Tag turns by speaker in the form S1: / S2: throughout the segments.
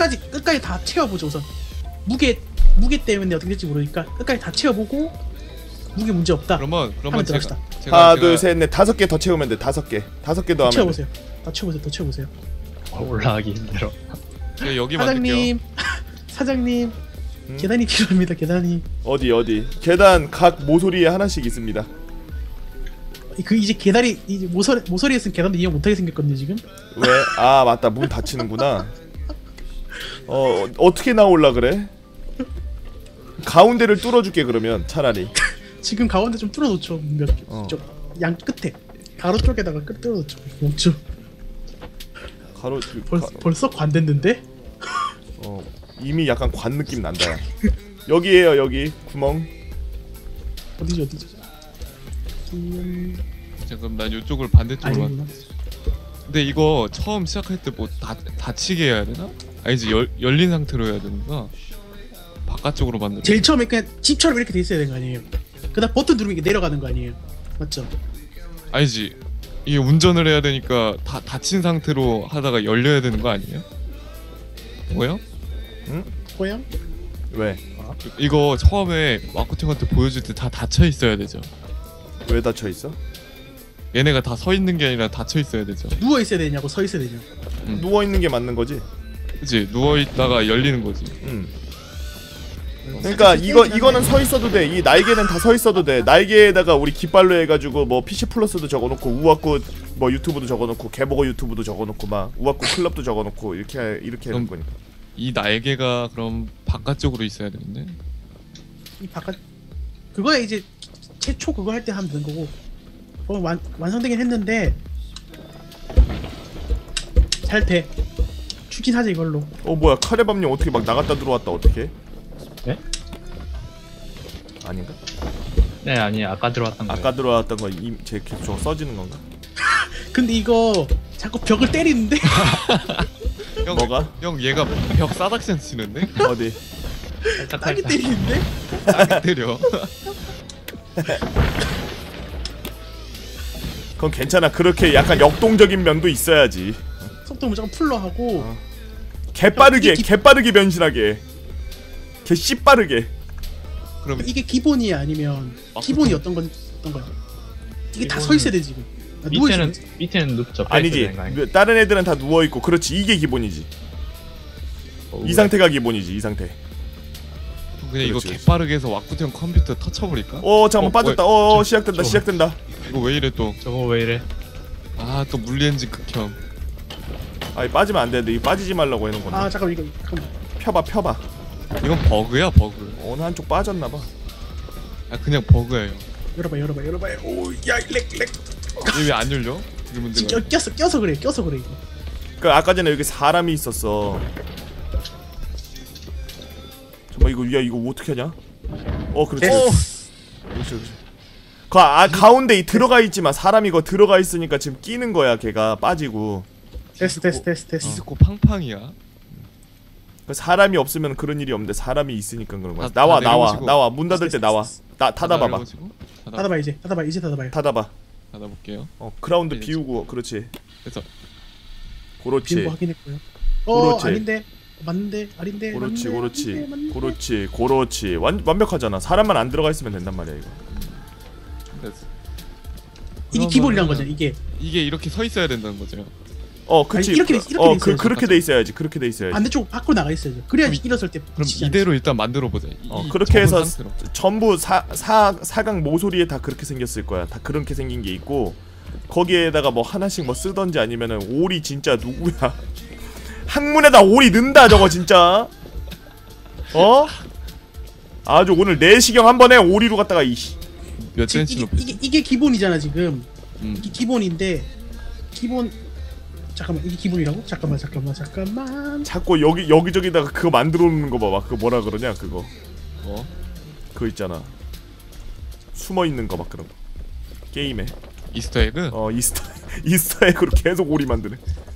S1: 끝까지 다 채워보죠 우선. 무게 때문에 어떻게 될지 모르니까 끝까지 다 채워보고 무게 문제 없다.
S2: 그러면
S1: 들어갑시다.
S3: 하나 둘 셋 넷 5개 더 채우면 돼. 5개 더 하면
S1: 채워보세요. 더 채워보세요.
S4: 올라가기 힘들어.
S2: 제가 여기 만들게요.
S1: 사장님 계단이 필요합니다. 계단이.
S3: 어디 계단 각 모서리에 하나씩 있습니다.
S1: 이제 계단이 이제 모서리에 쓴 계단도 이용 못하게 생겼거든요 지금.
S3: 왜? 아 맞다, 문 닫히는구나. 어떻게 나올라 그래? 가운데를 뚫어줄게 그러면 차라리.
S1: 지금 가운데 좀 뚫어놓죠. 양 끝에 가로 쪽에다가 뚫어놓죠. 멈춰.
S3: 가로
S1: 벌써 관됐는데?
S3: 이미 약간 관 느낌 난다. 여기에요 여기 구멍.
S1: 어디죠?
S2: 잠깐 난 이쪽을 반대쪽으로.
S1: 아니구나.
S2: 근데 이거 처음 시작할 때 뭐 닫히게 해야 되나? 아니지 열린 상태로 해야 되는가? 바깥쪽으로 만들.
S1: 제일 처음에 그냥 집처럼 이렇게 돼 있어야 되는 거 아니에요? 그다음 버튼 누르면 이게 내려가는 거 아니에요? 맞죠?
S2: 아니지. 이게 운전을 해야 되니까 닫힌 상태로 하다가 열려야 되는 거 아니에요? 뭐요?
S3: 응?
S1: 고양?
S3: 왜?
S2: 이거 처음에 마코팅한테 보여줄 때 다 닫혀 있어야 되죠.
S3: 왜 닫혀 있어?
S2: 얘네가 다 서 있는 게 아니라 닫혀 있어야 되죠.
S1: 누워 있어야 되냐고 서 있어야 되냐?
S3: 누워 있는 게 맞는 거지.
S2: 그치? 누워 있다가 열리는 거지.
S3: 그러니까 이거는 서 있어도 돼. 이 날개는 다 서 있어도 돼. 날개에다가 우리 깃발로 해가지고 뭐 PC 플러스도 적어놓고 우아쿠 뭐 유튜브도 적어놓고 개보고 유튜브도 적어놓고 막 우아쿠 클럽도 적어놓고 이렇게 하는 거니까.
S2: 이 날개가 그럼 바깥쪽으로 있어야 되는데.
S1: 이 바깥 그거야 이제 최초 그거 할 때 하면 되는 거고. 완성되긴 했는데 잘 돼. 추진하자 이걸로.
S3: 뭐야 카레밥님 어떻게 막 나갔다 들어왔다 어떻게?
S4: 네?
S3: 아닌가?
S4: 네 아니 아까 들어왔던 거.
S3: 아까 들어왔던 거 제 계속 저거 써지는 건가?
S1: 근데 이거 자꾸 벽을 때리는데?
S2: 형,
S3: 뭐가?
S2: 형 얘가 벽 싸닥션 치는데?
S3: 어디?
S1: 딱이 때리는데?
S2: 딱 때려.
S3: 그건 괜찮아. 그렇게 약간 역동적인 면도 있어야지.
S1: 속도 무조건 풀로 하고
S3: 개빠르게 변신하게. 개 씨빠르게.
S2: 그럼
S1: 이게 기본이야 아니면 기본이 어떤 거야? 이게 다 서 있어야 돼 지금.
S4: 밑에는 눕죠.
S3: 아니지. 다른 애들은 다 누워 있고. 그렇지. 이게 기본이지. 이 상태가 기본이지. 이 상태.
S2: 그냥 이거
S3: 그렇지.
S2: 개빠르게 해서 와꾸형 컴퓨터 터쳐버릴까?
S3: 잠깐만 빠졌다. 시작된다.
S2: 이거 왜 이래 또?
S4: 저거 왜 이래?
S2: 아 또 물리엔진 극혐.
S3: 아니 빠지면 안 되는데. 이거 빠지지 말라고 해놓은 건데.
S1: 잠깐만 이거
S3: 펴봐.
S2: 이건 버그야 버그.
S3: 어느 한쪽 빠졌나봐.
S2: 아 그냥 버그예요.
S1: 열어봐. 오야 렉.
S2: 이게 왜 안 열려? 이게 문제가.
S1: 껴서 그래 이거.
S3: 그 아까 전에 여기 사람이 있었어. 잠깐 이거 어떻게 하냐? 그렇지. 가운데 들어가 있지만 사람이 이거 들어가 있으니까 지금 끼는 거야. 걔가 빠지고.
S1: 테스트.
S2: 디스코 팡팡이야.
S3: 사람이 없으면 그런 일이 없는데 사람이 있으니까 그런 거야.
S2: 다
S3: 나와. 문 닫을 때 나와. 닫아봐봐.
S1: 닫아봐 이제 닫아봐요.
S2: 닫아볼게요.
S3: 크라운드 비우고. 그렇지.
S2: 그래서
S3: 그렇지.
S1: 비운 거 확인했고요.
S3: 그렇지.
S1: 아닌데 맞는데 아닌데.
S3: 그렇지. 완벽하잖아. 사람만 안 들어가 있으면 된단 말이야 이거.
S2: 됐어.
S1: 이게 기본이란 거죠. 이게
S2: 이렇게 서 있어야 된다는 거죠.
S3: 그치.
S1: 아니, 이렇게 돼 있어야지.
S3: 그렇게 돼 있어야지.
S1: 반대쪽 밖으로 나가 있어야죠. 그래야 일어설 때.
S2: 그럼 이대로 일단 만들어 보자.
S3: 그렇게 해서 전부 사각 모서리에 다 그렇게 생겼을 거야. 다 그렇게 생긴 게 있고 거기에다가 뭐 하나씩 뭐 쓰던지 아니면은 오리 진짜 누구야? 항문에다 오리 넣는다 저거 진짜. 아주 오늘 내시경 한 번에 오리로 갔다가
S2: 몇 센치 높이?
S1: 이게 기본이잖아 지금. 이게 기본인데 잠깐만 이게 기본이라고? 잠깐만.
S3: 자꾸 여기저기다가 그거 만들어 놓는 거 봐봐. 그거 뭐라 그러냐 그거. 그거 있잖아. 숨어 있는 거 막 그런 거. 게임에.
S2: 이스터에그?
S3: 이스터에그로 계속 오리 만드네.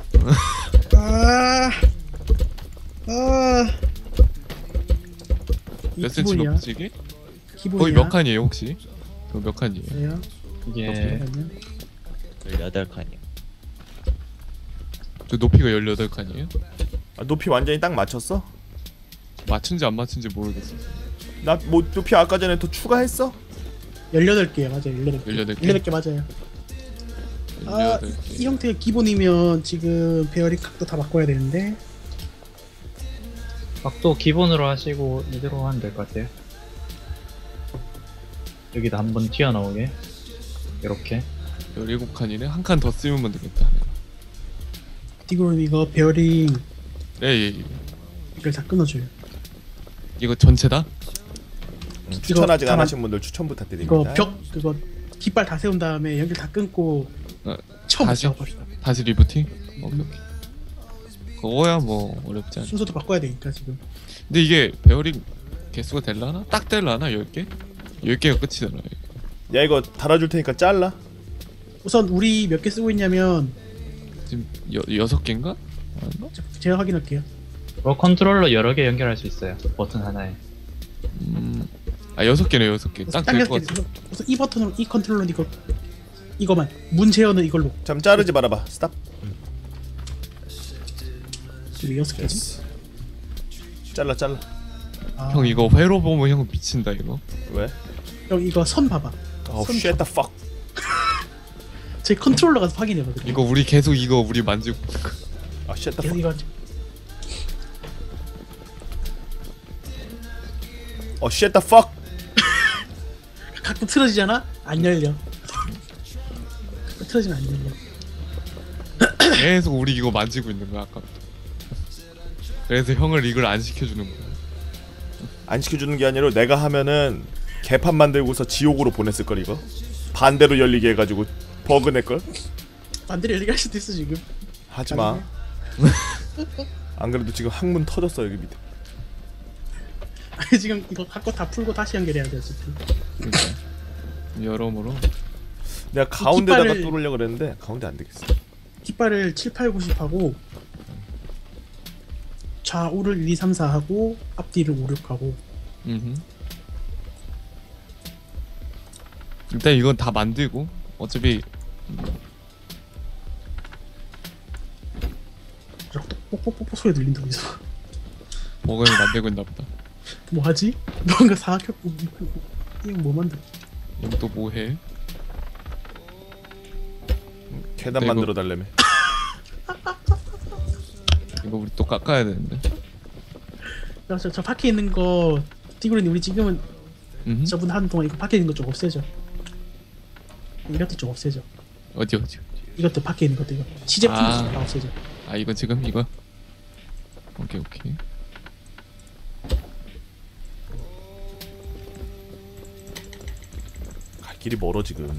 S2: 몇 센치 높지 이게?
S1: 기본이야.
S2: 거의 몇 칸이에요 혹시? 몇 칸이에요?
S4: 이게 18칸이요.
S2: 저 높이가 18칸이에요?
S3: 아, 높이 완전히 딱 맞췄어?
S2: 맞춘지 안 맞춘지 모르겠어.
S3: 나 뭐 높이 아까 전에 더 추가했어?
S1: 18개 맞아요. 18개.
S2: 18개?
S1: 18개 맞아요. 아,
S2: 18개.
S1: 이 형태가 기본이면 지금 베어링 각도 다 바꿔야 되는데
S4: 각도 기본으로 하시고 이대로 하면 될 것 같아요. 여기다 한번 튀어나오게 이렇게.
S2: 17칸이네. 한 칸 더 쓰면 되겠다.
S1: 디그론 이거 베어링
S2: 예.
S1: 이걸 다 끊어줘요.
S2: 이거 전체다?
S3: 추천 아직 안
S1: 다만-
S3: 하신 분들 추천 부탁드립니다.
S1: 이거 벽 그거 깃발 다 세운 다음에 연결 다 끊고 처음부터
S2: 다시?
S1: 작업합시다.
S2: 다시 리부팅? 오케이. 그거야 뭐 어렵지 않아.
S1: 순서도 바꿔야 되니까 지금.
S2: 근데 이게 베어링 개수가 될라나? 딱 될라나? 10개? 10개가 끝이잖아.
S3: 야 이거 달아줄 테니까 잘라.
S1: 우선 우리 몇 개 쓰고 있냐면
S2: 지금 6개인가? 맞나?
S1: 제가 확인할게요.
S4: 뭐 컨트롤러 여러 개 연결할 수 있어요. 버튼 하나에.
S2: 6개네 6개. 딱 될 것 같아.
S1: 우선 이 버튼으로 이 컨트롤러 이거만 문 제어는 이걸로.
S3: 잠 자르지 말아봐. 스탑.
S1: 왜 6개지?
S3: 됐어. 잘라.
S1: 아,
S2: 형 이거 회로 보면 형 미친다 이거.
S3: 왜?
S1: 형 이거 선 봐봐.
S3: 어,
S1: 손
S3: shit the fuck.
S1: 제 컨트롤러 가서 확인해봐. 그래.
S2: 이거 우리 계속 이거 우리 만지고
S3: 아, shit the
S1: 계속
S3: fuck.
S1: 이거
S3: 어, shit the fuck.
S1: 가끔 틀어지잖아? 안 열려. 가끔 틀어지면 안 열려.
S2: 계속 우리 이거 만지고 있는 거야 아까부터. 그래서 형을 이걸 안 시켜주는 거야.
S3: 안 시켜주는 게 아니라 내가 하면은 개판 만들고서 지옥으로 보냈을 걸 이거. 반대로 열리게 해가지고 버그 낼걸.
S1: 반대로 열리게 할 수도 있어 지금.
S3: 하지 마. 안 그래도 지금 항문 터졌어 여기 밑에.
S1: 아니 지금 이거 갖고 다 풀고 다시 연결해야 돼 어차피.
S2: 그러니까 여러모로
S3: 내가 가운데다가
S1: 깃발을-
S3: 뚫으려고 그랬는데 가운데 안 되겠어.
S1: 깃발을 7, 8, 90 하고 좌우를 1, 2, 3, 4 하고 앞뒤를 5, 6 하고.
S2: 일단 이건 다 만들고 어차피
S1: 뽁뽁뽁뽁 소리 들린다 어디서.
S2: 버거를 만들고 있나 보다.
S1: 뭐하지? 뭔가 사각형 이거 뭐 만들?
S2: 여기 또 뭐해?
S3: 계단
S2: 네,
S3: 만들어 달래며.
S2: 이거 우리 또 깎아야 되는데.
S1: 저 밖에 있는 거 디그린이 우리 지금은 저분 하는 동안 이거 밖에 있는 거 좀 없애죠. 이것도 좀 없애죠.
S2: 어디
S1: 이것도 밖에 있는 것도 이거 시제품
S2: 아.
S1: 다 없애죠.
S2: 아 이거 지금 이거 오케이
S3: 갈 길이 멀어 지금.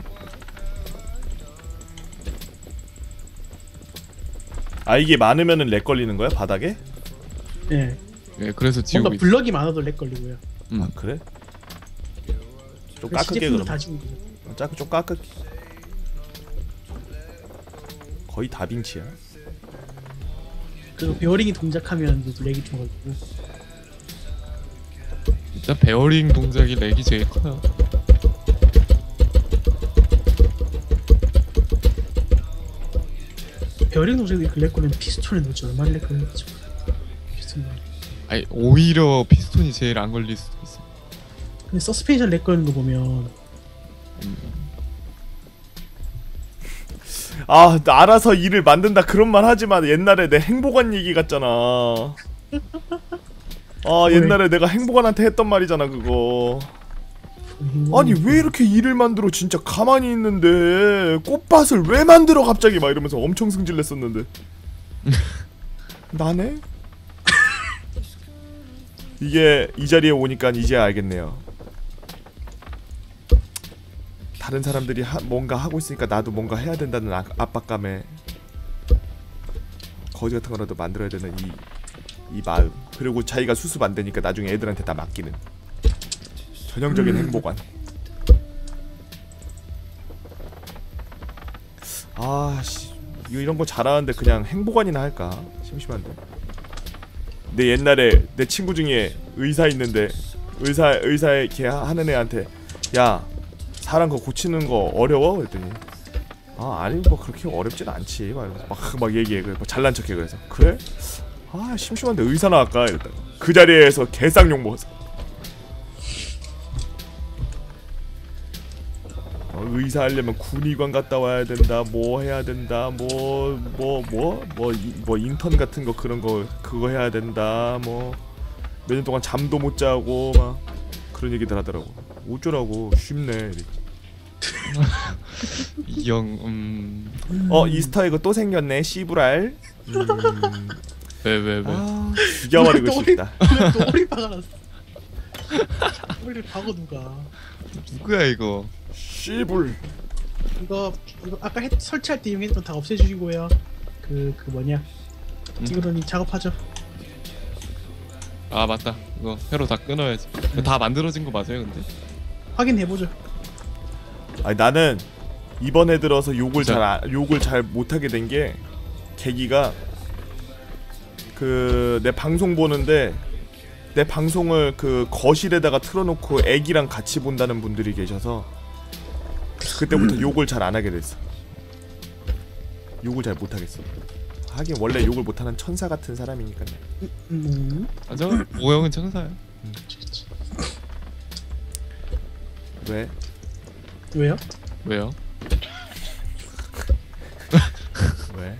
S3: 아 이게 많으면은 렉 걸리는 거야 바닥에?
S1: 예.
S2: 예 그래서 지우고
S1: 뭔가
S2: 있어.
S1: 블럭이 많아도 렉 걸리고요.
S3: 아 그래? 좀
S1: 그래서
S3: 깎을게
S1: 시제품도
S3: 그럼.
S1: 다 지우고 있어요.
S3: 좀 깎을게. 거의 다빈치야.
S1: 그리고 베어링이 동작하면 이제 렉이 좀 걸리고.
S2: 일단 베어링 동작이 렉이 제일 커요.
S1: 베어링 동작이 이렇게 렉 걸리면 피스톤에 넣지 얼마나 렉 걸리겠죠. 피스톤.
S2: 아니 오히려 피스톤이 제일 안 걸릴 수도 있어.
S1: 근데 서스펜션 렉 걸리는 거 보면
S3: 아, 나 알아서 일을 만든다 그런 말 하지만 옛날에 내 행복한 얘기 같잖아. 아, 옛날에 내가 행복한한테 했던 말이잖아 그거. 아니 왜 이렇게 일을 만들어 진짜 가만히 있는데 꽃밭을 왜 만들어 갑자기 막 이러면서 엄청 승질냈었는데. 나네? 이게 이 자리에 오니까 이제 알겠네요. 다른 사람들이 뭔가 하고 있으니까 나도 뭔가 해야 된다는 압박감에 거지 같은 거라도 만들어야 되는 이 마음. 그리고 자기가 수습 안 되니까 나중에 애들한테 다 맡기는 전형적인 행복안. 아씨 이런 거 잘하는데 그냥 행복안이나 할까? 심심한데. 내 옛날에 내 친구 중에 의사 있는데 의사에 걔 하는 애한테 야 사람 거 고치는 거 어려워? 그랬더니 아니 뭐 그렇게 어렵진 않지 막 얘기해. 그래 뭐 잘난 척해. 그래서 그래? 아 심심한데 의사나 할까 이랬다. 그 자리에서 개쌍욕 먹었어. 의사 하려면 군의관 갔다 와야 된다. 뭐 해야 된다. 뭐 인턴 같은 거 그런 거 그거 해야 된다. 뭐 몇 년 동안 잠도 못 자고 막 그런 얘기들 하더라고. 어쩌라고 쉽네.
S2: 이형
S3: 이스터에그 또 생겼네. 씨부랄.
S2: 왜?
S3: 아, 죽여버리고 싶다.
S1: 또 오리 박아놨어. 오리를 박어 누가?
S2: 누구야 이거?
S3: 씨불.
S1: 이거 아까 설치할 때 이용했던 다 없애주시고요. 그 뭐냐? 디그론이 작업하죠.
S2: 아 맞다. 이거 회로 다 끊어야지. 다 만들어진 거 맞아요, 근데?
S1: 확인해보죠.
S3: 아니 나는 이번에 들어서 욕을
S2: 진짜?
S3: 잘 못하게 된 게 계기가 그 내 방송 보는데 내 방송을 그 거실에다가 틀어놓고 애기랑 같이 본다는 분들이 계셔서 그때부터 욕을 잘 안 하게 됐어. 욕을 잘 못하겠어. 하긴 원래 욕을 못하는 천사 같은 사람이니까.
S2: 맞아. 오형은 천사야.
S3: 왜?
S1: 왜요?
S2: 왜요?
S3: 왜?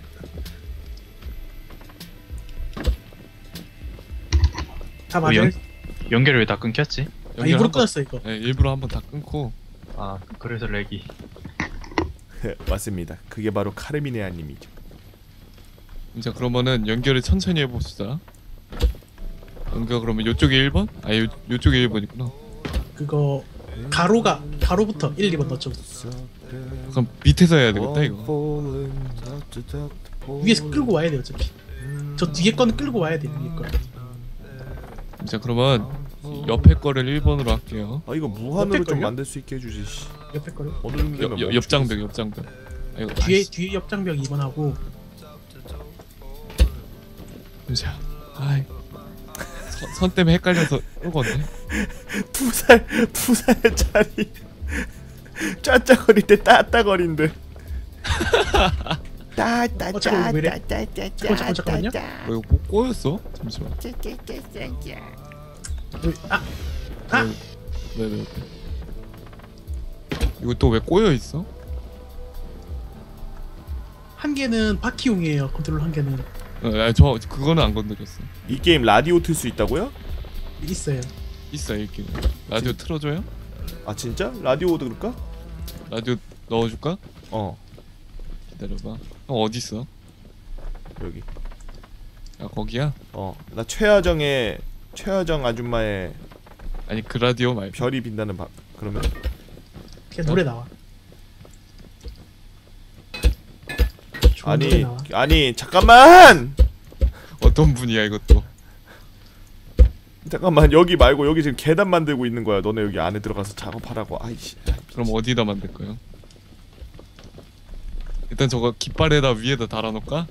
S1: 다 맞아요.
S4: 연결이 왜 다 끊겼지?
S1: 일부러 끊었어 이거.
S2: 네, 일부러 한번 다 끊고.
S4: 아 그래서 렉이.
S3: 맞습니다. 그게 바로 카르미네아님이죠.
S2: 자 그러면은 연결을 천천히 해봅시다. 연결 그러면 요쪽에 1번? 아 요쪽에 1번이구나.
S1: 그거 가로부터 1, 2번 넣죠.
S2: 그럼 밑에서 해야 되겠다 이거.
S1: 위에서 끌고 와야 돼요 어차피. 저 뒤에 거는 끌고 와야 돼 위에 거.
S2: 자 그러면 옆에 거를 1번으로 할게요.
S3: 아 이거 무한으로
S1: 옆에
S3: 좀
S1: 걸요?
S3: 만들 수 있게 해주지. 씨.
S1: 옆에 거를.
S3: 어느 정도 되면 멈추겠어.
S2: 옆장벽. 아, 이거
S1: 뒤에 옆장벽 2번 하고.
S2: 자, 아이 선 때문에 헷갈려서 끄었네.
S3: 두 살짜리 짜짜거릴 때 따따거린데.
S1: 잠깐만요.
S2: 이거 뭐 꼬였어? 잠시만. 왜? 이거 또 왜 꼬여 있어?
S1: 한 개는 바퀴용이에요. 컨트롤 한 개는
S2: 저 그거는 안 건드렸어.
S3: 이 게임 라디오 틀 수 있다고요?
S1: 있어요.
S2: 있어 이렇게. 라디오 틀어줘요?
S3: 아 진짜? 라디오도 그럴까?
S2: 라디오 넣어줄까?
S3: 어
S2: 기다려봐. 형 어디 있어?
S3: 여기.
S2: 야 거기야?
S3: 나 최하정 아줌마의
S2: 아니 그 라디오 말고.
S3: 별이 빛나는 밤. 그러면
S1: 그냥 노래 나와. 좋은 노래 나와.
S3: 아니 잠깐만.
S2: 어떤 분이야 이것도?
S3: 잠깐만 여기 말고 여기 지금 계단 만들고 있는 거야. 너네 여기 안에 들어가서 작업하라고. 아이씨.
S2: 그럼 어디다 만들 거예요? 일단 저거 깃발에다 위에다 달아놓을까?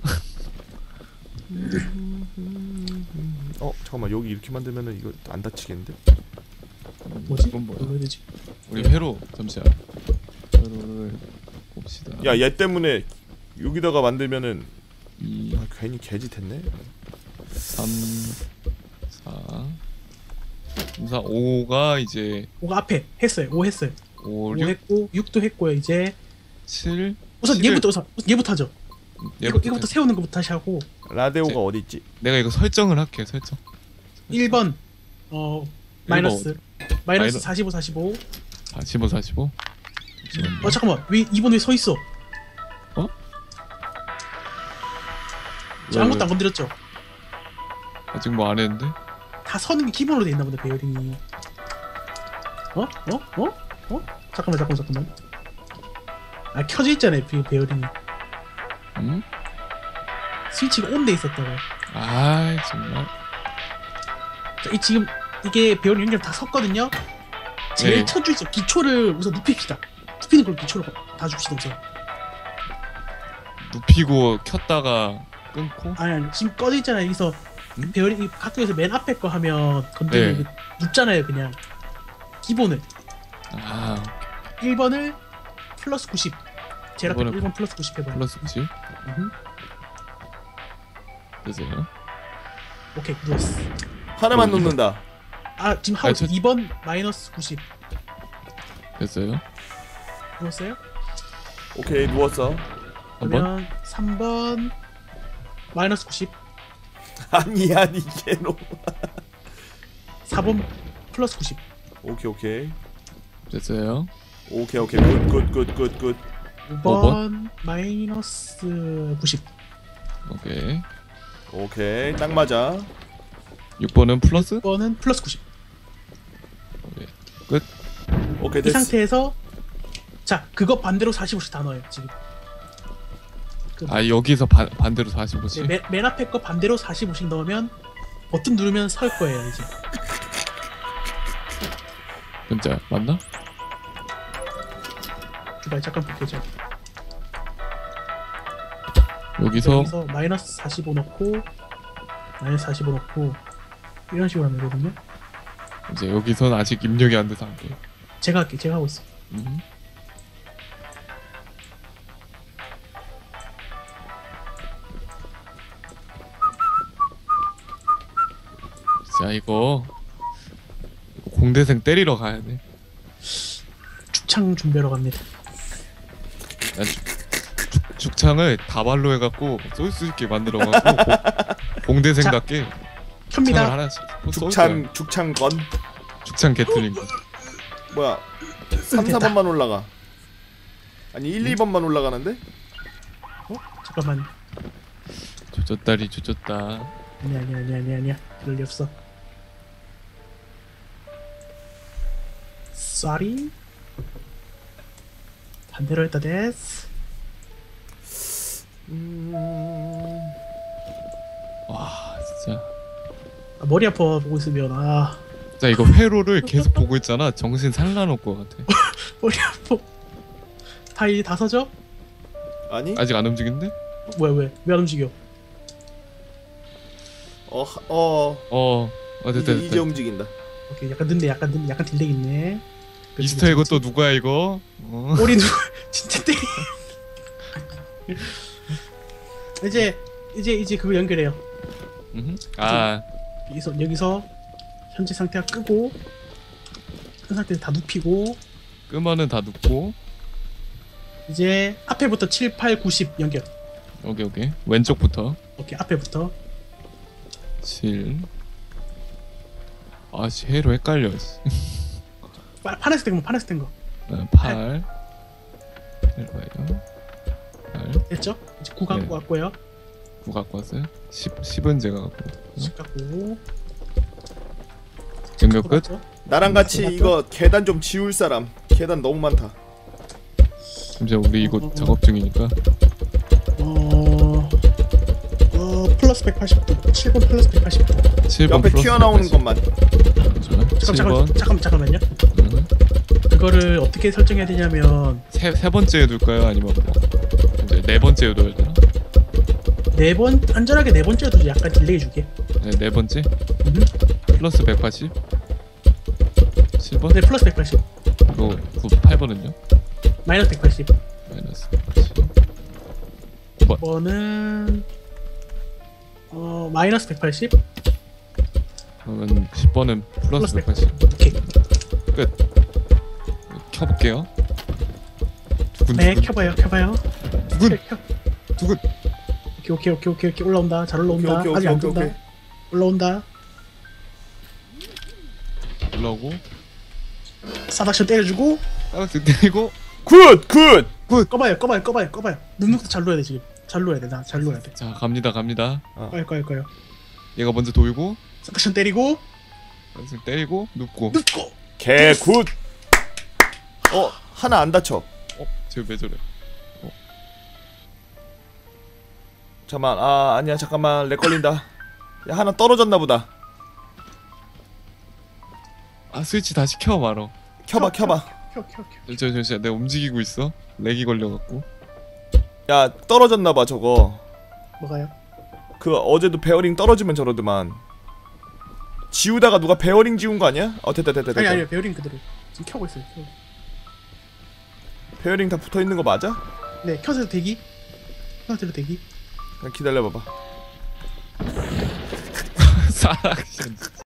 S3: 잠깐만 여기 이렇게 만들면은 이거 안 다치겠는데?
S1: 뭐지?
S2: 이건 뭐야?
S1: 뭐야 되지?
S2: 우리 회로 잠시만. 회로를 봅시다.
S3: 야 얘 때문에 여기다가 만들면은
S2: 2,
S3: 괜히 개짓했네.
S2: 3, 4, 3, 4, 5가 이제
S1: 5가 앞에 했어요. 5 했어요.
S2: 5,
S1: 5
S2: 6,
S1: 했고 6도 했고요. 이제
S2: 7.
S1: 우선
S2: 7을
S1: 얘부터 하죠. 이거부터 세우는 거부터 다시 하고.
S3: 라디오가 어디 있지?
S2: 내가 이거 설정을 할게. 설정.
S1: 1번 마이너스 45
S2: 45. 잠시만요.
S1: 잠깐만 왜 2번 왜 서 있어? 저 아무것도 안 건드렸죠?
S2: 아직 뭐 안 했는데?
S1: 다 서는 게 기본으로 돼 있나 보다 베어링이. 잠깐만. 아 켜져 있잖아요 베어링이.
S2: 응?
S1: 스위치가 온 돼 있었다고.
S2: 아이 정말.
S1: 자, 지금 이게 베어링 연결 다 섰거든요. 제일
S2: 네.
S1: 첫 줄에서 기초를 우선 눕힙시다. 눕히는 걸 기초로 다 줍시다 우선.
S2: 눕히고 켰다가 끊고.
S1: 아니 지금 꺼져 있잖아요. 여기서
S2: 응?
S1: 베어링 각도에서 맨 앞에 거 하면 건드리면
S2: 네.
S1: 눕잖아요 그냥. 기본을
S2: 아
S1: 1번을 플러스 90. 제일 앞에
S2: 1번을
S1: 1번 플러스 90 해봐요.
S2: 플러스 90. 되세요.
S1: 오케이 누웠어.
S3: 하나만 놓는다.
S1: 아 지금 하고
S2: 아니, 저-
S1: 2번 마이너스 90
S2: 됐어요.
S1: 누웠어요?
S3: 오케이 누웠어.
S2: 한 번.
S1: 그러면 3번 마이너스 90
S3: 아니 개놈.
S1: 4번 플러스 90
S3: 오케이.
S2: 됐어요.
S3: 오케이. 굿.
S1: 5번 마이너스 90
S2: 오케이.
S3: 딱 맞아.
S2: 6번은 플러스.
S1: 6번은 플러스 90
S2: 오케이. 끝.
S3: 오케이
S1: 이
S3: 됐어.
S1: 상태에서 자 그거 반대로 45씩 다 넣어요 지금.
S2: 아 여기서 반대로 45씩.
S1: 네, 맨 앞에 거 반대로 45씩 넣으면 버튼 누르면 설 거예요 이제.
S2: 진짜 맞나?
S1: 기다려 잠깐 볼게요.
S2: 여기서
S1: 여기서 마이너스 45 넣고 마이너스 45 넣고 이런 식으로 하면 되거든요.
S2: 이제 여기서는 아직 입력이 안 돼서 안 돼.
S1: 제가 할게. 제가 하고 있어.
S2: 자 이거 공대생 때리러 가야 돼.
S1: 축창 준비하러 갑니다.
S2: 난 죽창을 다발로 해갖고 쏠 수 있게 만들어갖고 공대생답게 죽창을
S1: 켭니다.
S2: 하나씩 쏠 거야.
S3: 죽창건.
S2: 죽창 게틀링.
S3: 뭐야? 3,
S1: 됐다.
S3: 4번만 올라가. 아니 1, 2번만 올라가는데?
S1: 잠깐만.
S2: 조졌다리 조졌다.
S1: 아니야. 그럴 리 없어. 쏘리. 반대로 했다 데스.
S2: 와 진짜.
S1: 아, 머리 아파 보고 있으면 아
S2: 자 이거 회로를 계속 보고 있잖아. 정신 살라놓을 것 같아.
S1: 머리 아파. 다 이제 다 서죠?
S3: 아니?
S2: 아직 안 움직이는데?
S1: 뭐야 왜 안 움직여?
S2: 됐다
S3: 이제
S2: 됐다.
S3: 움직인다.
S1: 오케이 약간 늦네 약간 딜레이 있네.
S2: 미스터 이거 또 누구야 이거?
S1: 머리 누구 진짜 때리. 이제 그거 연결해요.
S2: 아
S1: 여기서 현재 상태가 끄고 큰 상태에서 다 눕히고
S2: 끄면은 다 눕고.
S1: 이제 앞에부터 7, 8, 90 연결.
S2: 오케이 왼쪽부터
S1: 오케이 앞에부터
S2: 7. 아씨 회로 헷갈려.
S1: 파란색 된 거 파란색 된 거
S2: 8. 해봐요. 8.
S1: 됐죠? 이제 9 갖고
S2: 네.
S1: 왔고요.
S2: 9 갖고 왔어요. 10은 제가 갖고.
S1: 10 갖고
S2: 연결 끝.
S3: 나랑 같이 이거 계단 좀 지울 사람. 계단 너무 많다.
S2: 이제 우리 이거 작업 중이니까.
S1: 플러스 180도 7번 플러스 180도
S2: 7번
S3: 옆에
S2: 플러스
S3: 튀어나오는
S2: 180.
S3: 것만.
S1: 잠깐만요. 그거를 어떻게 설정해야 되냐면
S2: 세 번째에 둘까요? 아니면 뭐 이제 네 번째에 둬야 되나?
S1: 안전하게 네 번째로 두지. 약간 딜레이 주게.
S2: 네 번째. 플러스 180. 7번.
S1: 네 플러스 180
S2: 그리고 8번은요?
S1: 마이너스 180
S2: 마이너스 180. 9번.
S1: 5번은 마이너스 180
S2: 그러면 10번은 플러스 180.
S1: 오케이.
S2: 끝. 켜볼게요.
S1: 네 켜봐요.
S2: 두근.
S1: 오케이 올라온다. 잘 올라온다.
S3: 오케이,
S1: 아직 안
S3: 오케이,
S1: 뜬다.
S3: 오케이.
S1: 올라온다.
S2: 올라오고
S1: 사닥션 때려주고
S2: 따라서 때리고.
S3: 굿!
S1: 꺼봐요. 눅눅도 잘 놓아야 돼 지금. 잘 놓아야 돼. 잘 놓아야 돼.
S2: 자 갑니다.
S1: 꺼요.
S2: 얘가 먼저 돌고
S1: 사닥션 때리고
S2: 따라서 때리고 눕고.
S3: 개 굿! 하나 안 다쳐.
S2: 쟤 왜 저래?
S3: 잠깐만. 아니야 잠깐만. 렉 걸린다. 야 하나 떨어졌나 보다.
S2: 아 스위치 다시 켜 말어.
S3: 켜봐.
S1: 켜.
S2: 잠시만 내가 움직이고 있어. 렉이 걸려갖고.
S3: 야 떨어졌나 봐 저거.
S1: 뭐가요?
S3: 그 어제도 베어링 떨어지면 저러더만. 지우다가 누가 베어링 지운 거 아니야? 됐다.
S1: 아니 베어링 그대로 지금 켜고 있어요.
S3: 베어링 다 붙어 있는 거 맞아?
S1: 네 켜서 대기. 켜서 대기.
S3: 그냥 기다려봐봐.
S2: 가락션.